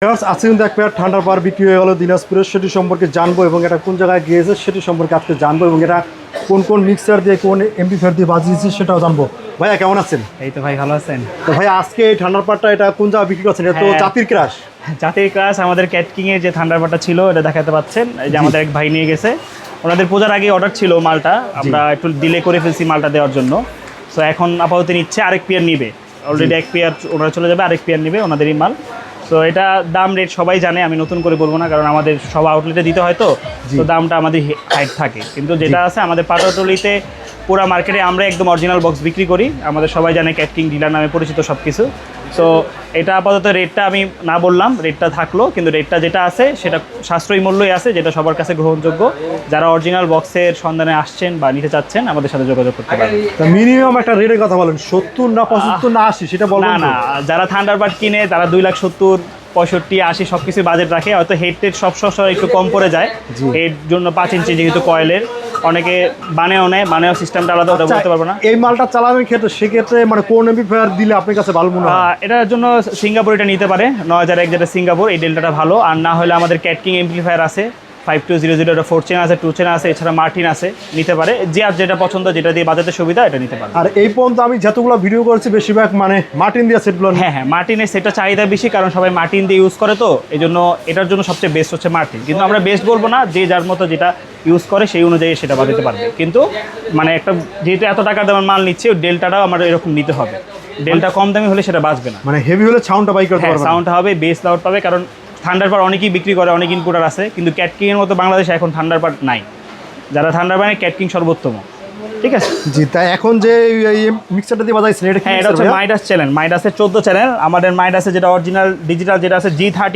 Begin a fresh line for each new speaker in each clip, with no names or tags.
আজকে কিন্তু এক পেয়ার ঠান্ডার পাওয়ার বিক্রি হয়ে গেল দিনাজপুরের, সেটি সম্পর্কে জানবো এবং এটা কোন জায়গায় গিয়েছে সেটি সম্পর্কে আজকে জানবো এবং এটা কোন কোন মিক্সার দিয়ে কোন এমপ্লিফায়ার দিয়ে বাজিয়েছে সেটাও জানবো। ভাইয়া কেমন আছেন?
এই তো ভাই, ভালো আছেন?
তো ভাই আজকে এই ঠান্ডার পাওয়ারটা এটা কোন জায়গায় বিক্রি করছেন? এটা তো জাতির ক্রাশ।
জাতির ক্রাশ আমাদের ক্যাটকিং এর যে থান্ডারবার্ডটা ছিল এটা দেখাতে পাচ্ছেন। এই যে আমাদের এক ভাই নিয়ে গেছে, ওনাদের পূজার আগে অর্ডার ছিল মালটা, আমরা একটু ডিলে করে ফেলছি মালটা দেওয়ার জন্য। সো এখন আপাতত নিচ্ছে, আরেক পেয়ার নিবে। অলরেডি এক পেয়ার ওনারা চলে যাবে, আরেক পেয়ার নিবে ওনাদেরই মাল। তো এটা দাম রেট সবাই জানে, আমি নতুন করে বলবো না, কারণ আমাদের সব আউটলেটে দিতে হয় তো দামটা আমাদের হাইট থাকে। কিন্তু যেটা আছে আমাদের পাটাতলিতে পুরো মার্কেটে আমরা একদম অরিজিনাল বক্স বিক্রি করি, আমাদের সবাই জানে ক্যাটকিং ডিলার নামে পরিচিত সব কিছু। সো এটা আপাতত রেটটা আমি না বললাম, রেটটা থাকলো, কিন্তু রেটটা যেটা আছে সেটা সাশ্রয়ী মূল্যই আছে, যেটা সবার কাছে গ্রহণযোগ্য। যারা অরিজিনাল বক্সের সন্ধানে আসছেন বা নিতে চাচ্ছেন আমাদের সাথে যোগাযোগ করতে পারেন।
মিনিমাম একটা রেটের কথা বলেন, 70 না 75 না 80 সেটা বলবেন?
না, যারা থান্ডারবার্ড কিনে তারা 2,70,000, 65, 80 সব কিছু বাজেট রাখে। হয়তো হেড টেড সব একটু কম পড়ে যায়, এর জন্য 5 ইঞ্চি যেহেতু কয়েলের, অনেকে বানেও নেয়, বানেও সিস্টেমটা আলাদা, ওটা বলতে পারবো না।
এই মালটা চালানোর ক্ষেত্রে সেক্ষেত্রে মানে কোন এমপ্লিফায়ার দিলে আপনার কাছে ভালো মনে হয়?
এটার জন্য সিঙ্গাপুর এটা নিতে পারে, 9001 যেটা সিঙ্গাপুর, এই ডেল্টাটা ভালো। আর না হলে আমাদের ক্যাটকিং এমপ্লিফায়ার আছে 5200, এটা 4 চেন আছে, 2 চেন আছে, এছাড়া মার্টিন আছে, নিতে পারে। যে আর যেটা পছন্দ, যেটা দিয়ে বাজাতে সুবিধা, এটা নিতে পারে।
আর এই পর্যন্ত আমি যতগুলো ভিডিও করেছি বেশিরভাগ মানে মার্টিন দিয়ে সেটগুলো।
হ্যাঁ, মার্টিনের সেটটা চাহিদা বেশি, কারণ সবাই মার্টিন দিয়ে ইউজ করে, তো এই জন্য এটার জন্য সবচেয়ে বেস্ট হচ্ছে মার্টিন। কিন্তু আমরা বেস্ট বলবো না, যে যার মতো যেটা ইউজ করে সেই অনুযায়ী সেটা বাজাতে পারবে। কিন্তু মানে একটা যেহেতু এত টাকার দামের মাল নিচ্ছে, ডেল্টাটাও আমার এরকম নিতে হবে। ডেল্টা কম দামি হলে সেটা বাঁচবে না,
মানে হেভি হলে সাউন্ডটা বাই করতে পারবে,
সাউন্ডটা হবে, বেস লাউড পাবে। কারণ থান্ডারবার্ড অনেকেই বিক্রি করে, অনেক ইনপুটার আছে, কিন্তু ক্যাটকিংয়ের মতো বাংলাদেশে এখন থান্ডারবার্ড নাই। যারা থান্ডারবার্ডে ক্যাটকিং সর্বোত্তম, ঠিক আছে।
জি, তাই এখন যে এই মিক্সারটা দিয়ে বাজাইছেন এটা কি?
হ্যাঁ, এটা হচ্ছে মাইডাস চ্যানেল, মাইডাসের 14 চ্যানেল। আমাদের মাইডাসে যেটা অরিজিনাল ডিজিটাল যেটা আছে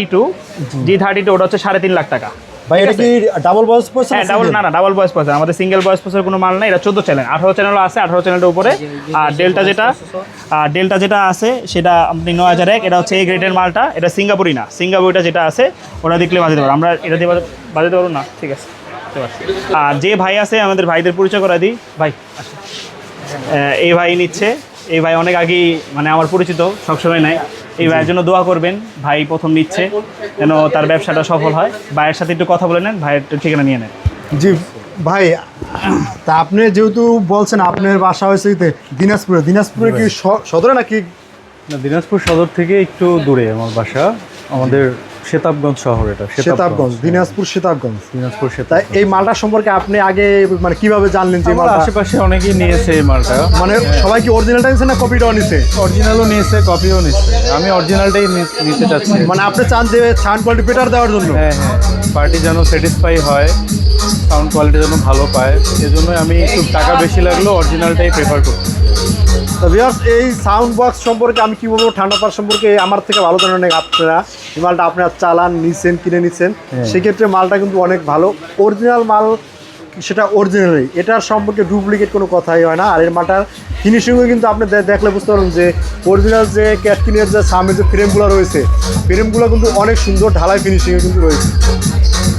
G32, ওটা হচ্ছে 3.5 লাখ টাকা।
ভাই এটা কি ডাবল ভয়েস প্রসেসর?
হ্যাঁ, ডাবল ভয়েস প্রসেসর, আমাদের সিঙ্গেল ভয়েস প্রসেসরের কোনো মাল নাই। এটা 14 চ্যানেল, 18 চ্যানেলও আছে, 18 চ্যানেলের উপরে। আর ডেল্টা যেটা আছে সেটা আপনি 9001, এটা হচ্ছে এই গ্রেডের মালটা, এটা সিঙ্গাপুরি না। সিঙ্গাপুরিটা যেটা আছে ওটা দেখলে বাজাতে পারবো, আমরা এটা দিয়ে বাজাতে পারবো না, ঠিক আছে। আর যে ভাই আছে, আমাদের ভাইদের পরিচয় করা দিই। ভাই এই ভাই নিচ্ছে, এই ভাই অনেক আগেই মানে আমার পরিচিত, সবসময় নেয়। এই ভাইয়ের জন্য দোয়া করবেন, ভাই প্রথম নিচ্ছে, যেন তার ব্যবসাটা সফল হয়। ভাইয়ের সাথে একটু কথা বলে নেন, ভাইয়ের ঠিকানা নিয়ে নেন।
জি ভাই, তা আপনি যেহেতু বলছেন আপনার বাসা হয়েছে দিনাজপুরে কি সদরে নাকি?
না, দিনাজপুর সদর থেকে একটু দূরে আমার বাসা, আমাদের সেতাবগঞ্জ শহর। এটা
সেতাবগঞ্জ, দিনাজপুর সেতাবগঞ্জ।
তাই
এই মালটা সম্পর্কে আপনি আগে মানে কিভাবে জানলেন যে মালটা?
আশেপাশে অনেকেই নিয়েছে এই মালটা।
মানে সবাই কি অরিজিনালটা নিয়েছে না কপিটাও নিয়েছে?
অরিজিনালও নিয়েছে, কপিও নিয়েছে। আমি অরিজিনালটাই নিতে চাচ্ছি।
মানে আপনি চান যে সাউন্ড কোয়ালিটি বেটার দেওয়ার জন্য?
হ্যাঁ, পার্টি যেন স্যাটিসফাই হয়, সাউন্ড কোয়ালিটি যেন ভালো পায়, এজন্যই আমি একটু টাকা বেশি লাগলেও অরিজিনালটাই প্রেফার করছি।
তো ভিউয়ার্স, এই সাউন্ড বক্স সম্পর্কে আমি কি বলবো, ঠান্ডা পাওয়ার সম্পর্কে আমার থেকে ভালো জানেন আপনারা। এই মালটা আপনারা চালান, কিনে নিচ্ছেন, সেক্ষেত্রে মালটা কিন্তু অনেক ভালো, অরিজিনাল মাল, সেটা অরিজিনালই। এটার সম্পর্কে ডুপ্লিকেট কোনো কথাই হয় না। আর এর মালটার ফিনিশিংও কিন্তু আপনি দেখলে বুঝতে পারবেন যে অরিজিনাল যে ক্যাটকিনের যে সামনে যে ফ্রেমগুলো রয়েছে, ফ্রেমগুলো কিন্তু অনেক সুন্দর ঢালাই ফিনিশিংয়ে কিন্তু রয়েছে।